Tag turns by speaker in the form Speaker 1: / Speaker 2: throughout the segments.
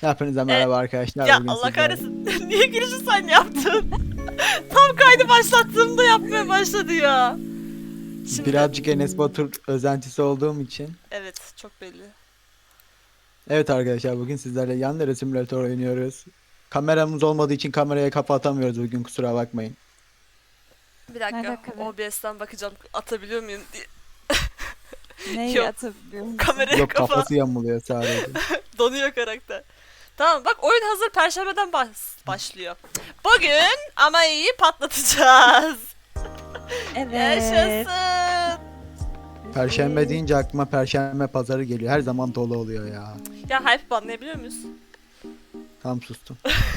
Speaker 1: Hepinize
Speaker 2: E,
Speaker 1: merhaba arkadaşlar.
Speaker 2: Ya
Speaker 1: Bugün
Speaker 2: Allah
Speaker 1: sizlerle
Speaker 2: kahretsin. Niye girişi sen yaptın? Tam kaydı başlattığımda yapmaya başladı ya. Şimdi
Speaker 1: birazcık Enes Batur özentisi olduğum için.
Speaker 2: evet, çok belli.
Speaker 1: Evet arkadaşlar, bugün sizlerle Yandere Simulator oynuyoruz. Kameramız olmadığı için kameraya kafa atamıyoruz bugün, kusura bakmayın.
Speaker 2: Bir dakika.
Speaker 3: Alaka be?
Speaker 2: OBS'ten bakacağım atabiliyor muyum diye.
Speaker 3: Neyi
Speaker 2: Yok.
Speaker 3: atabiliyor musun?
Speaker 2: Kameraya
Speaker 1: Yok,
Speaker 2: kafa
Speaker 1: kafası yamuluyor sadece.
Speaker 2: donuyor karakter. Tamam bak, oyun hazır, Perşembeden başlıyor. Bugün ama iyi patlatacağız.
Speaker 3: Evet.
Speaker 2: Yaşasın.
Speaker 1: Perşembe deyince aklıma Perşembe pazarı geliyor. Her zaman dolu oluyor ya.
Speaker 2: Ya hype banlayabiliyor muyuz?
Speaker 1: Tam sustum.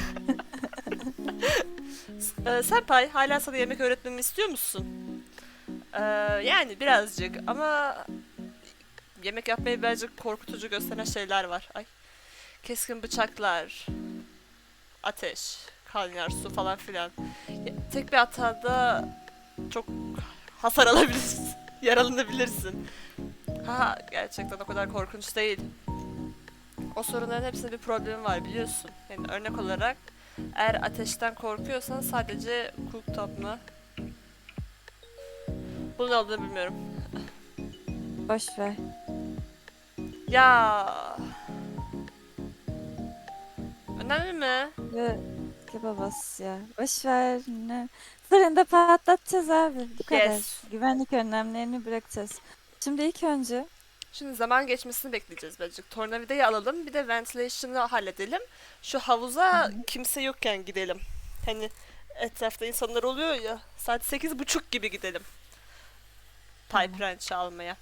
Speaker 2: Senpai, hala sana yemek öğretmemi istiyor musun? Yani birazcık ama yemek yapmayı birazcık korkutucu gösteren şeyler var. Ay. Keskin bıçaklar, ateş, kaynar su falan filan. Tek bir hatada çok hasar alabilirsin, yaralanabilirsin. Ha, gerçekten o kadar korkunç değil. O sorunların hepsinde bir problemi var, biliyorsun. Yani örnek olarak, eğer ateşten korkuyorsan sadece cooktop mu? Bu ne olduğunu bilmiyorum.
Speaker 3: Boş ver.
Speaker 2: Ya. Önemli mi?
Speaker 3: Ve kebabas ya. Boş ver. Ne? Fırında patlatacağız abi. Bu kadar.
Speaker 2: Yes.
Speaker 3: Güvenlik önlemlerini bırakacağız. Şimdi ilk önce
Speaker 2: Şimdi zaman geçmesini bekleyeceğiz birazcık. Tornavidayı alalım, bir de ventilation'ı halledelim. Şu havuza kimse yokken gidelim. Hani etrafta insanlar oluyor ya. Saat 8:30 gibi gidelim. Pipe wrench almaya.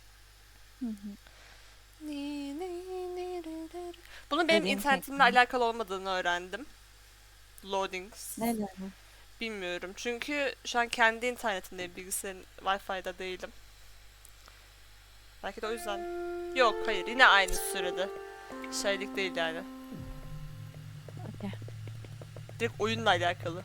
Speaker 2: Bunun benim
Speaker 3: Dediğim
Speaker 2: internetimle
Speaker 3: teknik.
Speaker 2: alakalı olmadığını öğrendim. Loadings.
Speaker 3: neler var?
Speaker 2: Bilmiyorum. Çünkü şu an kendi internetimdeyim. Bilgisayarın Wi-Fi'de değilim. Belki de o yüzden. Yok, hayır. Yine aynı sürede. Şeylik değil yani.
Speaker 3: Okey.
Speaker 2: Direkt oyunla alakalı.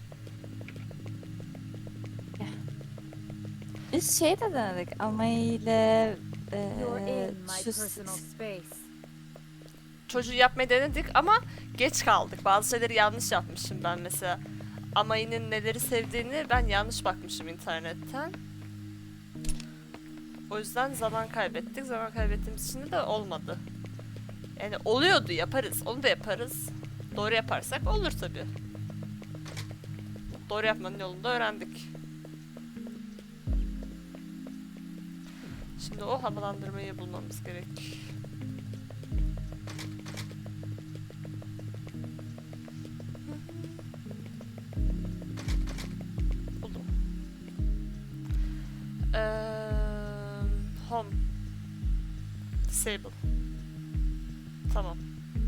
Speaker 3: Biz şey de denedik ama ile
Speaker 4: You're in my
Speaker 3: şu
Speaker 4: personal space.
Speaker 2: Çocuğu yapmayı denedik ama geç kaldık. Bazı şeyleri yanlış yapmışım ben mesela. Amayının neleri sevdiğini ben yanlış bakmışım internetten. O yüzden zaman kaybettik. Zaman kaybettiğimiz için de olmadı. Yani oluyordu, yaparız. Onu da yaparız. Doğru yaparsak olur tabii. Doğru yapmanın yolunu da öğrendik. Şimdi o havalandırmayı bulmamız gerek. Buldum. Home. Disable. Tamam.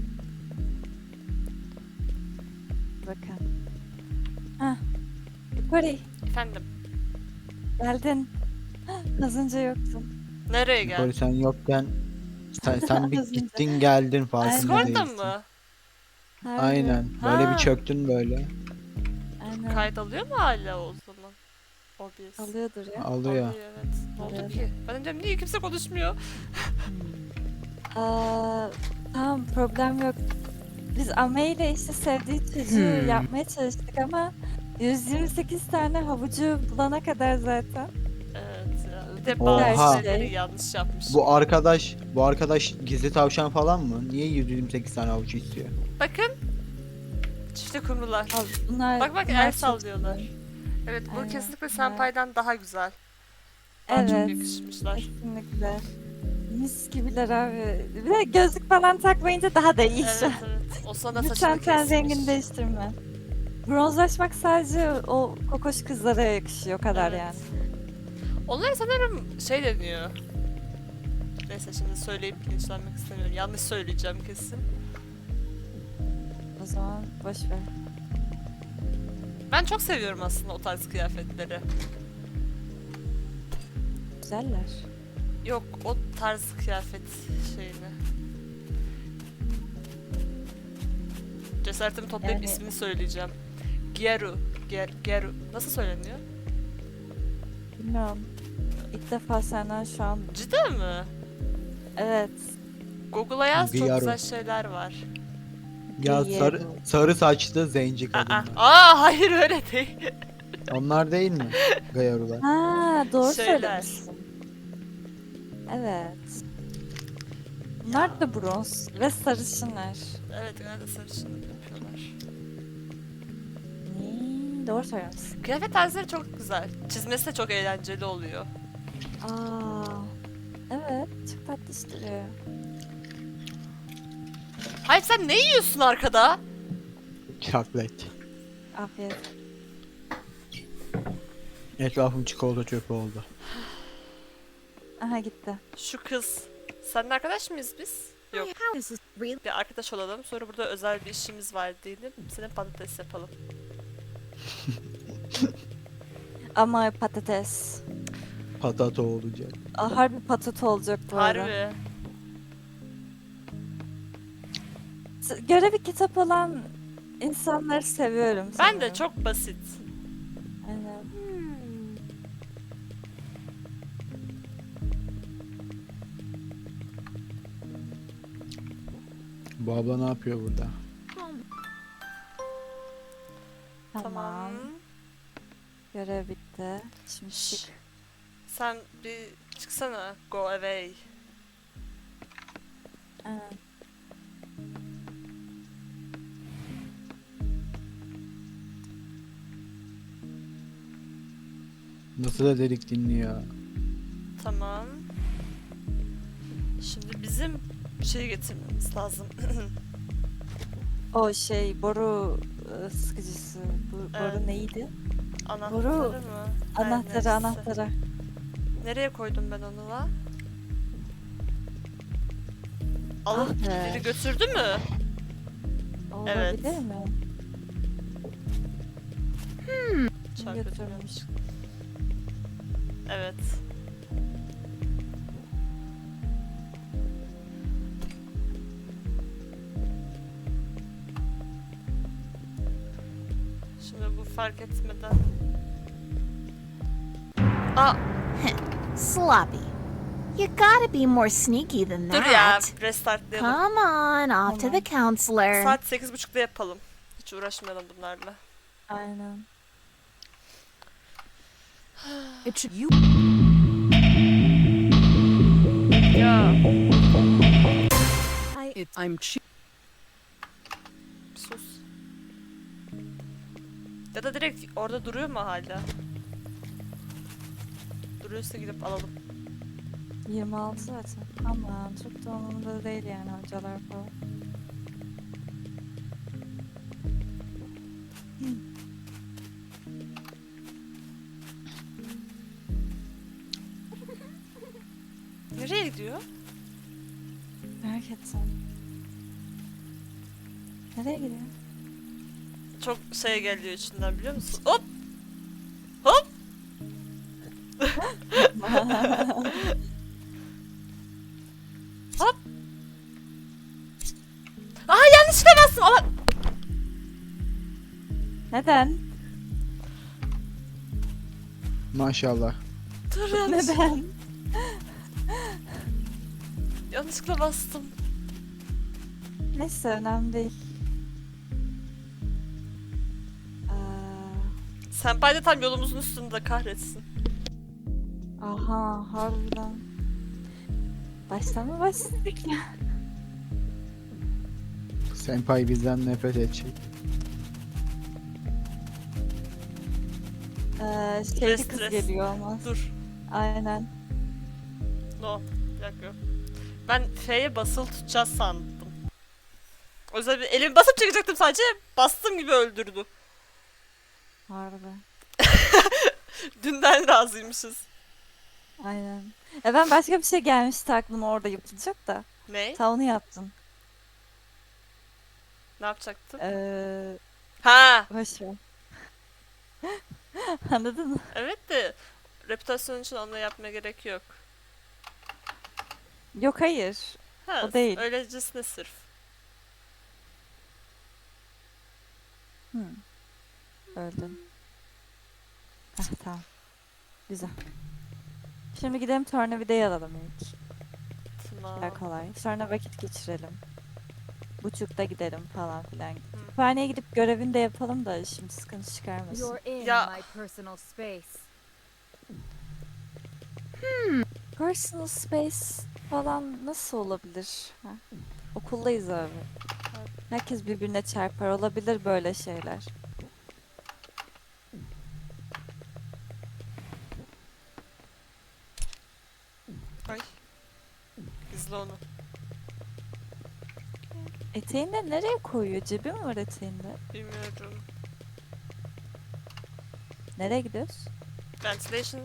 Speaker 3: bakın. Hah. Yukarı
Speaker 2: Efendim.
Speaker 3: geldin. Az önce yoktun.
Speaker 2: Nereye
Speaker 1: Böyle
Speaker 2: gel?
Speaker 1: sen yokken sen bir
Speaker 3: Az önce.
Speaker 1: gittin geldin, farkında
Speaker 2: Discord'da
Speaker 1: değilsin.
Speaker 2: mı?
Speaker 3: Harbi.
Speaker 1: Aynen. Böyle
Speaker 2: Ha.
Speaker 1: bir çöktün böyle.
Speaker 3: Aynen.
Speaker 2: Kayıt alıyor mu hala o zaman? OBS.
Speaker 3: Alıyordur ya.
Speaker 1: Alıyor.
Speaker 2: Evet. Ne oldu
Speaker 3: Alıyor.
Speaker 2: ki? Ben de diyorum, niye kimse konuşmuyor?
Speaker 3: Tamam, problem yok. Biz Ame ile işte sevdiği çocuğu yapmaya çalıştık ama 128 tane havucu bulana kadar zaten.
Speaker 2: Evet ya. Bir de
Speaker 1: Oha.
Speaker 2: bazı şeyleri yanlış yapmış.
Speaker 1: Bu arkadaş gizli tavşan falan mı? Niye 128 tane avuç istiyor?
Speaker 2: Bakın. Çifte kumrular.
Speaker 3: Al, bunlar,
Speaker 2: Bak
Speaker 3: bunlar
Speaker 2: el
Speaker 3: çok-
Speaker 2: sallıyorlar. Evet, bu
Speaker 3: Aynen,
Speaker 2: kesinlikle
Speaker 3: bunlar-
Speaker 2: Senpai'den daha güzel. Daha çok
Speaker 3: Evet,
Speaker 2: yakışmışlar.
Speaker 3: kesinlikle. Mis gibiler abi. Bir de gözlük falan takmayınca daha da iyi şu
Speaker 2: Evet
Speaker 3: an.
Speaker 2: evet. O sana
Speaker 3: Lütfen
Speaker 2: saçını
Speaker 3: ten
Speaker 2: kesmiş.
Speaker 3: rengini değiştirme. Bronzlaşmak sadece o kokoş kızlara yakışıyor, o kadar
Speaker 2: Evet.
Speaker 3: yani.
Speaker 2: Onlara sanırım şey deniyor. Neyse, şimdi söyleyip linçlenmek istemiyorum. Yanlış söyleyeceğim kesin.
Speaker 3: O zaman boş ver.
Speaker 2: Ben çok seviyorum aslında o tarz kıyafetleri.
Speaker 3: Güzeller.
Speaker 2: Yok, o tarz kıyafet şeyini. Cesaretimi toplayıp
Speaker 3: Yani-
Speaker 2: ismini söyleyeceğim. Gyaru. Gyaru. Nasıl söyleniyor?
Speaker 3: Bilmiyorum. İlk defa senden şu an...
Speaker 2: Cidden mi?
Speaker 3: Evet.
Speaker 2: Google'a yaz, çok
Speaker 1: Gyaru.
Speaker 2: güzel şeyler var.
Speaker 1: Ya sarı,
Speaker 3: Diego.
Speaker 1: sarı saçlı zenci
Speaker 2: Aa,
Speaker 1: kadınlar.
Speaker 2: hayır öyle değil.
Speaker 1: Onlar değil mi? Gayarular.
Speaker 3: Ha, doğru
Speaker 2: Şeyler.
Speaker 3: söylemişsin. Evet. Bunlar da bronz ve sarışınlar.
Speaker 2: Evet genelde sarışınlık yapıyorlar.
Speaker 3: Doğru söylüyorsun.
Speaker 2: Kıyafet tarzları çok güzel. Çizmesi de çok eğlenceli oluyor.
Speaker 3: Aa, evet, çok tatlış duruyor.
Speaker 2: Hayır sen ne yiyorsun arkada?
Speaker 1: Çaklet.
Speaker 3: Afiyet.
Speaker 1: Etrafım çikolata çöpü oldu.
Speaker 3: Aha gitti.
Speaker 2: Şu kız. Seninle arkadaş mıyız biz? Yok.
Speaker 4: How is this really?
Speaker 2: Bir arkadaş olalım. Sonra burada özel bir işimiz var diyelim. Senin patates yapalım.
Speaker 3: Ama patates.
Speaker 1: Patato olacak.
Speaker 3: Harbi patates olacak bu arada.
Speaker 2: Harbi.
Speaker 3: Görevi kitap olan insanları seviyorum
Speaker 2: Ben de
Speaker 3: sanırım.
Speaker 2: çok basit.
Speaker 3: Aynen.
Speaker 1: Bu abla ne yapıyor burada?
Speaker 3: Tamam. Görev bitti. Şimdi
Speaker 2: Şşş.
Speaker 3: çık.
Speaker 2: Sen bir çıksana. Go away.
Speaker 3: Evet.
Speaker 1: Nasıl da delik dinliyor.
Speaker 2: Tamam. Şimdi bizim bir şey getirmemiz lazım.
Speaker 3: O şey boru sıkıcısı. Boru
Speaker 2: Evet.
Speaker 3: neydi?
Speaker 2: Anahtarı
Speaker 3: Boru.
Speaker 2: mı? Her
Speaker 3: Anahtarı
Speaker 2: neyse.
Speaker 3: anahtarı.
Speaker 2: Nereye koydum ben onu la? Alıp
Speaker 3: Ah be.
Speaker 2: biri götürdü mü? Evet.
Speaker 3: Olabilir mi?
Speaker 2: Çarpı
Speaker 3: götürmüş?
Speaker 2: dönüyormuş. Evet. Şimdi bu fark etmeden... Aa,
Speaker 4: Sloppy. You gotta be more sneaky than
Speaker 2: dur ya,
Speaker 4: that.
Speaker 2: restartlayalım.
Speaker 4: Come on, off to the counselor.
Speaker 2: Saat 8.30'da yapalım. Hiç uğraşmayalım bunlarla.
Speaker 3: Aynen.
Speaker 4: It should you.
Speaker 2: Ya,
Speaker 4: I'm cheap.
Speaker 2: sus. Ya da direkt orada duruyor mu hala? Duruyorsa gidip alalım.
Speaker 3: 26 zaten. Aman çok da umurumda değil yani hocalar falan.
Speaker 2: Nereye gidiyor?
Speaker 3: Merak ettim. Nereye gidiyor?
Speaker 2: Çok şey geliyor içinden biliyor musun? Hop! Hop! Hop! Aa yanlışlıkla bastım ama...
Speaker 3: Neden?
Speaker 1: Maşallah.
Speaker 2: Dur yanlış.
Speaker 3: Neden?
Speaker 2: Yanlışlıkla bastım.
Speaker 3: Neyse önemli değil. Aa,
Speaker 2: Senpai de tam yolumuzun üstünde kahretsin.
Speaker 3: aha harbiden. Baştan mı başladık ya?
Speaker 1: Senpai bizden nefret edecek.
Speaker 3: Şeyli kız
Speaker 2: Stres.
Speaker 3: geliyor olmaz.
Speaker 2: Dur.
Speaker 3: Aynen.
Speaker 2: No. Bir dakika. Ben F'ye basılı tutacağız sandım. O yüzden bir elimi basıp çekecektim sadece. Bastım gibi öldürdü.
Speaker 3: Harbi.
Speaker 2: Dünden razıymışız.
Speaker 3: Aynen. Ben başka bir şey gelmişti aklıma orada yapılacak da.
Speaker 2: Ne?
Speaker 3: Sen onu yaptın.
Speaker 2: Ne yapacaktım?
Speaker 3: Boş
Speaker 2: Ha,
Speaker 3: ver. Anladın mı?
Speaker 2: evet de reputasyon için onu yapmaya gerek yok.
Speaker 3: Yok hayır.
Speaker 2: Ha,
Speaker 3: O değil.
Speaker 2: öylecesine sırf.
Speaker 3: Öldün. Heh, tamam. Güzel. Şimdi gidelim tornavidayı alalım ilk.
Speaker 2: Tamam.
Speaker 3: Daha kolay. Sonra vakit geçirelim. buçukta giderim falan filan. Kütüphaneye gidip görevini de yapalım da şimdi sıkıntı çıkarmasın.
Speaker 5: You're in
Speaker 2: Ya-
Speaker 5: my personal space.
Speaker 3: Personal space falan nasıl olabilir? Ha? Okuldayız abi. Herkes birbirine çarpar. Olabilir böyle şeyler.
Speaker 2: Ay. İzle onu.
Speaker 3: Eteğinde nereye koyuyor? Cebi mi var eteğinde?
Speaker 2: Bilmiyorum.
Speaker 3: Nereye gidiyoruz?
Speaker 2: Ventilation.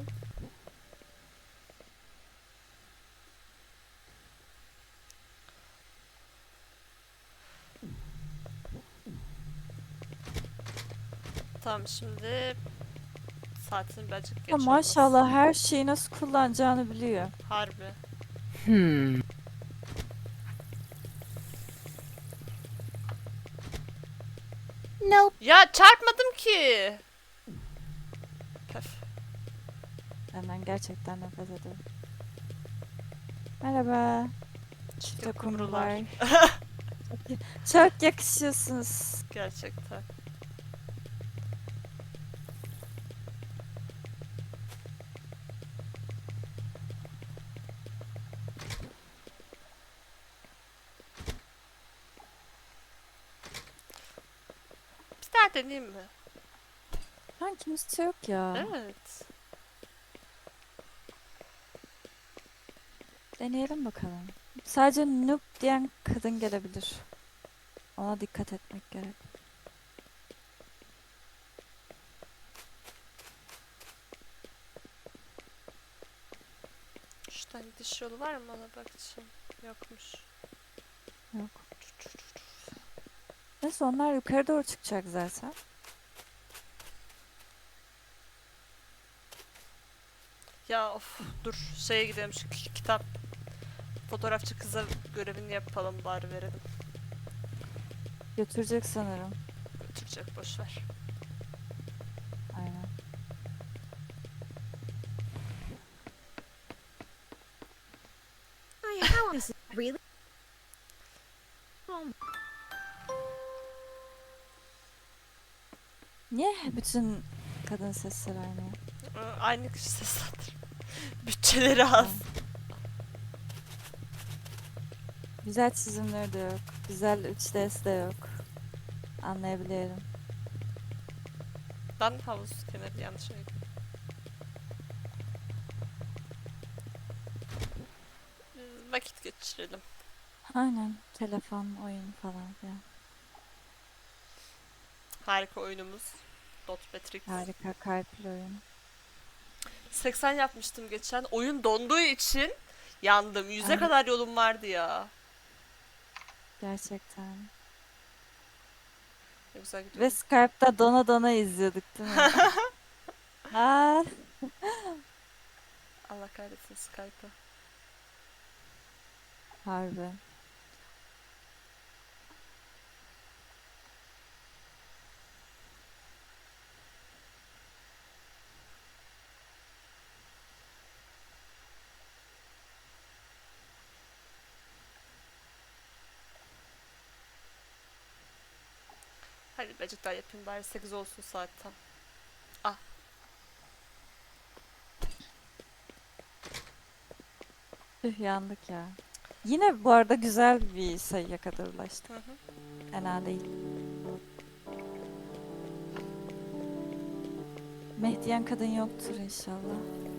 Speaker 2: Tamam şimdi saatini birazcık geç
Speaker 3: Ha,
Speaker 2: olması.
Speaker 3: maşallah her şeyi nasıl kullanacağını biliyor.
Speaker 2: Harbi.
Speaker 4: Nope.
Speaker 2: Ya çarpmadım ki. Pef.
Speaker 3: Benden gerçekten nefret ediyorum. Merhaba.
Speaker 2: Çifte
Speaker 3: Çok
Speaker 2: kumrular.
Speaker 3: kumrular. Çok yakışıyorsunuz.
Speaker 2: Gerçekten. Bir daha deneyeyim mi?
Speaker 3: Şu an kimse yok ya.
Speaker 2: Evet.
Speaker 3: Deneyelim bakalım. Sadece noob diyen kadın gelebilir. Ona dikkat etmek gerek.
Speaker 2: Şuradan gidiş yolu var mı ona bakacağım. Yokmuş.
Speaker 3: Yok. Neyse onlar yukarı doğru çıkacak zaten.
Speaker 2: Ya of dur şeye gidelim şu kitap. Fotoğrafçı kıza görevini yapalım bari verelim.
Speaker 3: Götürecek sanırım.
Speaker 2: Götürecek boşver.
Speaker 3: Aynen.
Speaker 5: How is it really?
Speaker 3: Niye bütün kadın sesleri aynı?
Speaker 2: Aynı kişi seslendir. Bütçeleri az.
Speaker 3: Güzel çizimleri de yok. Güzel 3D'si de yok. Anlayabiliyorum.
Speaker 2: Ben havuz kenarı yanlış mıydı? Vakit geçirelim.
Speaker 3: Aynen. Telefon, oyun falan filan.
Speaker 2: Harika oyunumuz. Dot Matrix.
Speaker 3: Harika kalpli oyun.
Speaker 2: 80 yapmıştım geçen. Oyun donduğu için yandım. 100'e
Speaker 3: Ay.
Speaker 2: kadar yolum vardı ya.
Speaker 3: Gerçekten.
Speaker 2: Ne güzel gidiyor.
Speaker 3: Ve Skype'da dona dona izliyorduk değil mi? Aa,
Speaker 2: Allah kahretsin Skype'ı.
Speaker 3: harbi.
Speaker 2: Hadi birazcık daha yapayım bari 8 olsun saatten.
Speaker 3: Tüh yandık ya. Yine bu arada güzel bir sayıya kadar ulaştık.
Speaker 2: Hı hı.
Speaker 3: Fena değil. Mehdiyen kadın yoktur inşallah.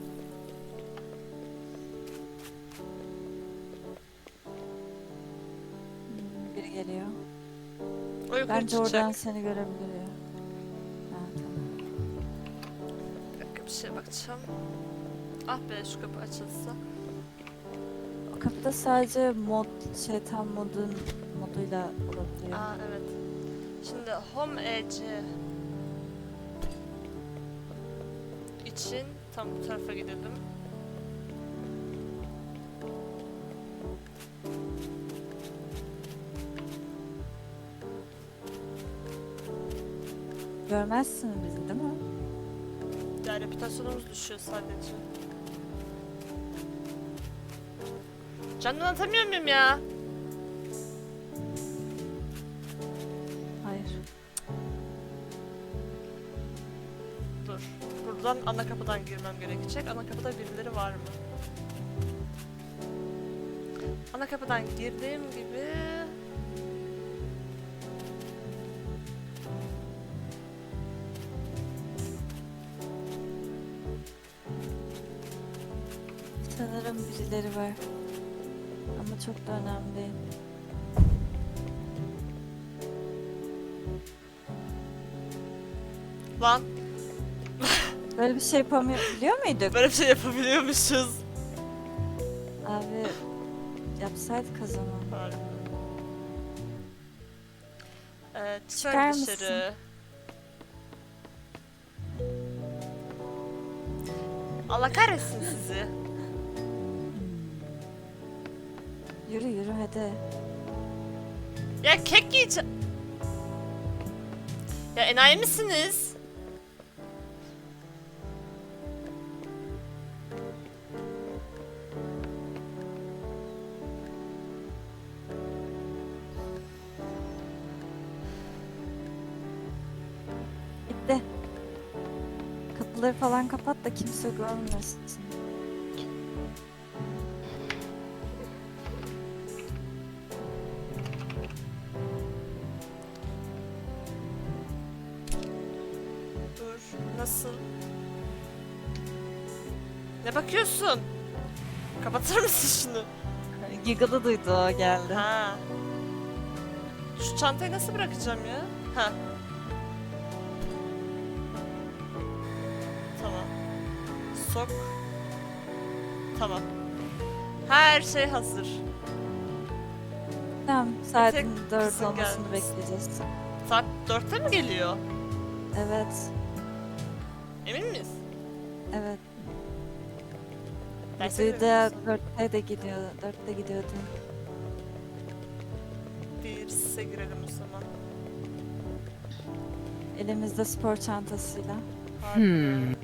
Speaker 3: Biri geliyor.
Speaker 2: O yukarı
Speaker 3: Bence
Speaker 2: çıkacak.
Speaker 3: oradan seni görebilir ya. Ha, tamam.
Speaker 2: Bir dakika bir şeye bakacağım. Ah be şu kapı açılsa.
Speaker 3: O kapıda sadece mod, şeytan moduyla olabiliyor.
Speaker 2: Aa evet. Şimdi Home Edge için tam bu tarafa gidelim.
Speaker 3: Görmezsin bizi değil mi?
Speaker 2: Ya reputasyonumuz düşüyor sadece. Canını atamıyor muyum ya? Buradan ana kapıdan girmem gerekecek. Ana kapıda birileri var mı? Ana kapıdan girdiğim gibi...
Speaker 3: Sanırım birileri var. Ama çok da önemli değil.
Speaker 2: Lan
Speaker 3: Böyle bir şey yapabiliyor muyduk?
Speaker 2: böyle bir şey yapabiliyormuşuz.
Speaker 3: Abi yapsaydık o zaman.
Speaker 2: Harbi.
Speaker 3: Çıkar
Speaker 2: Çıkar
Speaker 3: mısın?
Speaker 2: dışarı. Allah kahretsin sizi.
Speaker 3: Yürü yürü hadi.
Speaker 2: Ya kek yiyeceğim. Ya enayi misiniz?
Speaker 3: Gitti. Kapıları falan kapat da kimse görmesin.
Speaker 2: Dur. Nasıl? Ne bakıyorsun? Kapatır mısın şunu?
Speaker 3: Giggle'ı duydu o geldi.
Speaker 2: Ha. Şu çantayı nasıl bırakacağım ya? Ha. Tamam. Sok. Tamam. Her şey hazır.
Speaker 3: Tamam saatin
Speaker 2: tek
Speaker 3: 4
Speaker 2: kızın
Speaker 3: olmasını
Speaker 2: gelmesi.
Speaker 3: bekleyeceğiz.
Speaker 2: Saat 4'te mi geliyor?
Speaker 3: Evet.
Speaker 2: Emin miyiz?
Speaker 3: Evet.
Speaker 2: Derse mi
Speaker 3: Duydu
Speaker 2: veriyorsun?
Speaker 3: 4'te de gidiyor. 4'te gidiyordu.
Speaker 2: Bir sise girelim o zaman.
Speaker 3: Elimizde spor çantasıyla.
Speaker 2: Harbi.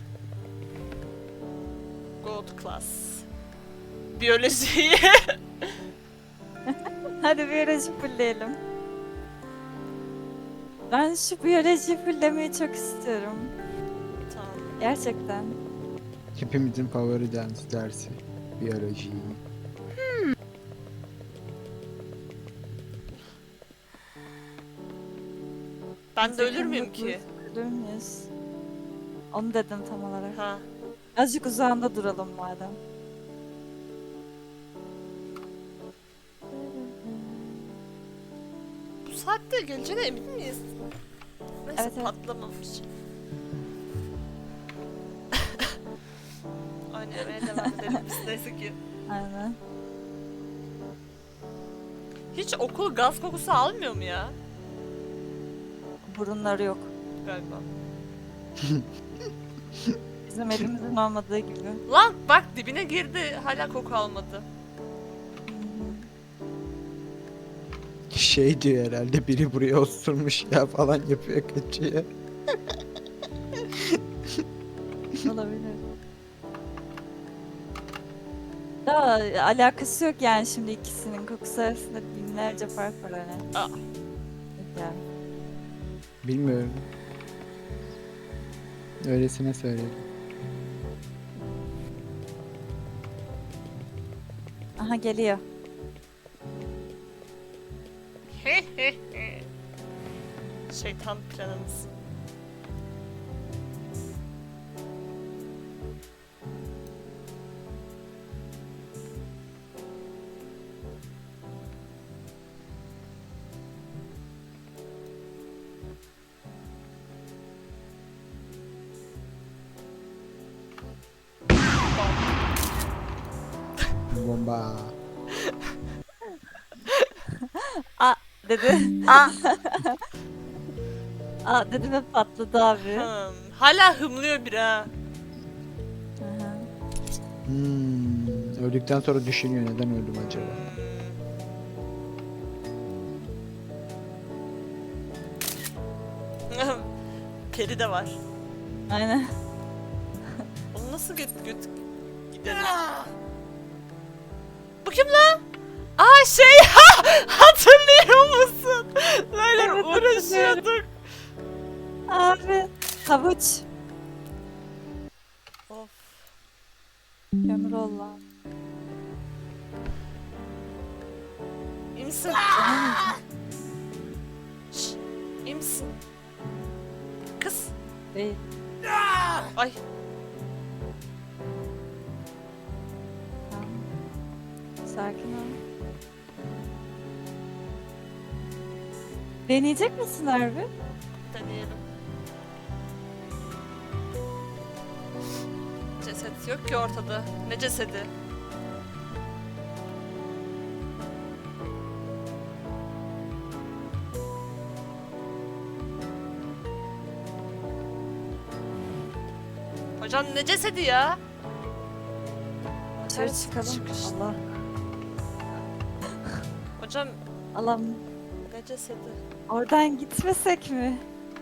Speaker 2: Gold class. Biyolojiyi.
Speaker 3: Hadi biyoloji fullleyelim. Ben şu biyoloji fulllemeyi çok istiyorum.
Speaker 2: Tamam.
Speaker 3: Gerçekten.
Speaker 1: Hepimizin favori dersi. Biyoloji.
Speaker 2: Ben de ölür müyüm ki?
Speaker 3: Ölür müyüz? Onu dedim tam olarak.
Speaker 2: Ha.
Speaker 3: Azıcık uzağında duralım madem.
Speaker 2: Bu saatte geleceğine emin miyiz? Neyse
Speaker 3: Evet, evet.
Speaker 2: patlamamış. Oynamaya devam edelim biz neyse ki.
Speaker 3: Aynen.
Speaker 2: Hiç okul gaz kokusu almıyor mu ya?
Speaker 3: Burunları yok.
Speaker 2: Galiba.
Speaker 3: Bizim elimizin olmadığı gibi.
Speaker 2: Lan bak dibine girdi hala koku almadı.
Speaker 1: Şey diyor herhalde, biri buraya osurmuş ya falan yapıyor, kaçıyor.
Speaker 3: Olabilir. Da alakası yok yani şimdi ikisinin kokusu arasında binlerce fark var hani.
Speaker 2: Aa.
Speaker 3: Yani.
Speaker 1: Bilmiyorum. Öylesine söyledim.
Speaker 3: Aha geliyor.
Speaker 2: Şeytan planımız.
Speaker 1: Bomba.
Speaker 3: Dedi.
Speaker 2: Aa.
Speaker 3: Aa dedi ve patladı abi.
Speaker 2: Hala hımlıyor bir ha.
Speaker 3: Aha.
Speaker 1: Öldükten sonra düşünüyor, neden öldüm acaba?
Speaker 2: Peri de var.
Speaker 3: Aynen.
Speaker 2: Onu nasıl göt gidelim? Bu kim lan? Aa şey hatırlıyor musun? Böyle
Speaker 3: Evet,
Speaker 2: uğraşıyorduk.
Speaker 3: Abi havuç. Allah.
Speaker 2: İyi misin? Şşş, iyi misin? Kız.
Speaker 3: Değil.
Speaker 2: Ay.
Speaker 3: Tamam. Sakin ol. Deneyecek misin harbi?
Speaker 2: Deneyelim. Ceset yok ki ortada. Ne cesedi? Hocam ne cesedi ya?
Speaker 3: Dışarı
Speaker 2: Ters
Speaker 3: çıkalım.
Speaker 2: çıkış.
Speaker 3: Allah.
Speaker 2: Hocam
Speaker 3: Allah'ım.
Speaker 2: ne cesedi?
Speaker 3: Oradan gitmesek mi?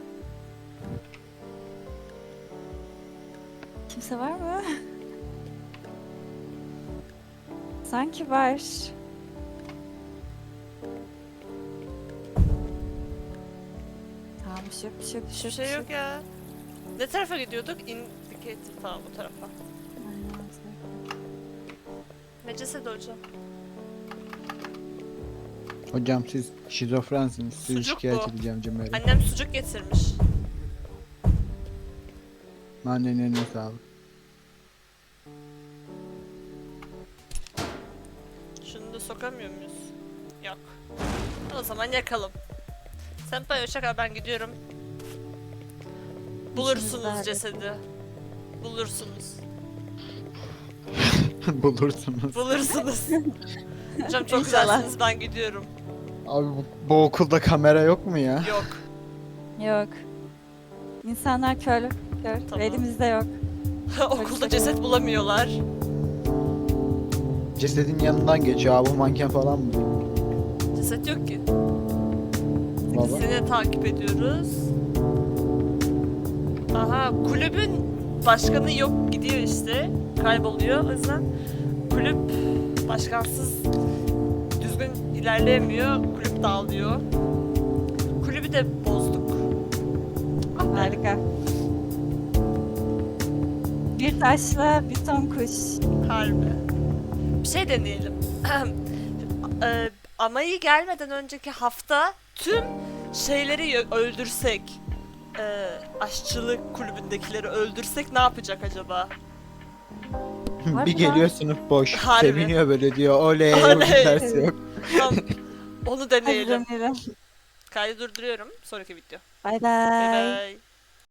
Speaker 3: Kimse var mı? Sanki var. Tamam bir şey yok, bir şey yok, bir
Speaker 2: Hiçbir
Speaker 3: şey yok.
Speaker 2: şey yok ya. Ne tarafa gidiyorduk? Indicator tamam bu tarafa.
Speaker 3: Aynen.
Speaker 2: Ne cesedi hocam?
Speaker 1: Hocam siz şizofrensiniz. Sizi
Speaker 2: Sucuk
Speaker 1: şikayet
Speaker 2: bu.
Speaker 1: edeceğim Cemre.
Speaker 2: Annem sucuk getirmiş.
Speaker 1: Annenin eline sağlık.
Speaker 2: Şunu da sokamıyor muyuz? Yok. O zaman yakalım. Senpai hoşça kal, ben gidiyorum. Bulursunuz
Speaker 3: halledin.
Speaker 2: cesedi. Bulursunuz.
Speaker 1: Bulursunuz.
Speaker 2: Bulursunuz. Hocam çok
Speaker 3: İnşallah.
Speaker 2: güzelsiniz, ben gidiyorum.
Speaker 1: Abi bu okulda kamera yok mu ya?
Speaker 2: Yok.
Speaker 3: Yok. İnsanlar kör.
Speaker 2: Tamam.
Speaker 3: Elimizde yok.
Speaker 2: Okulda ceset bulamıyorlar.
Speaker 1: Cesedin yanından geçiyor abi, bu manken falan mı?
Speaker 2: Ceset yok ki.
Speaker 1: Valla.
Speaker 2: Seni takip ediyoruz. Aha, kulübün başkanı yok, gidiyor işte. Kayboluyor. O yüzden kulüp başkansız düzgün ilerleyemiyor. Kulüp dağılıyor. Kulübü de bozduk. Ah be.
Speaker 3: Harika. Bir taşla bir ton kuş.
Speaker 2: Harbi. Bir şey deneyelim. Amayı gelmeden önceki hafta tüm şeyleri öldürsek, aşçılık kulübündekileri öldürsek ne yapacak acaba?
Speaker 3: Harbi
Speaker 1: Bir geliyor sınıf boş.
Speaker 2: Harbi.
Speaker 1: Seviniyor böyle diyor. Oley,
Speaker 2: Oley.
Speaker 1: bugün ders yok.
Speaker 2: Tamam, onu
Speaker 3: Hadi
Speaker 2: deneyelim.
Speaker 3: deneyelim.
Speaker 2: Kaydı durduruyorum. Sonraki video.
Speaker 3: Bay
Speaker 2: Bye
Speaker 3: bay.
Speaker 2: bye.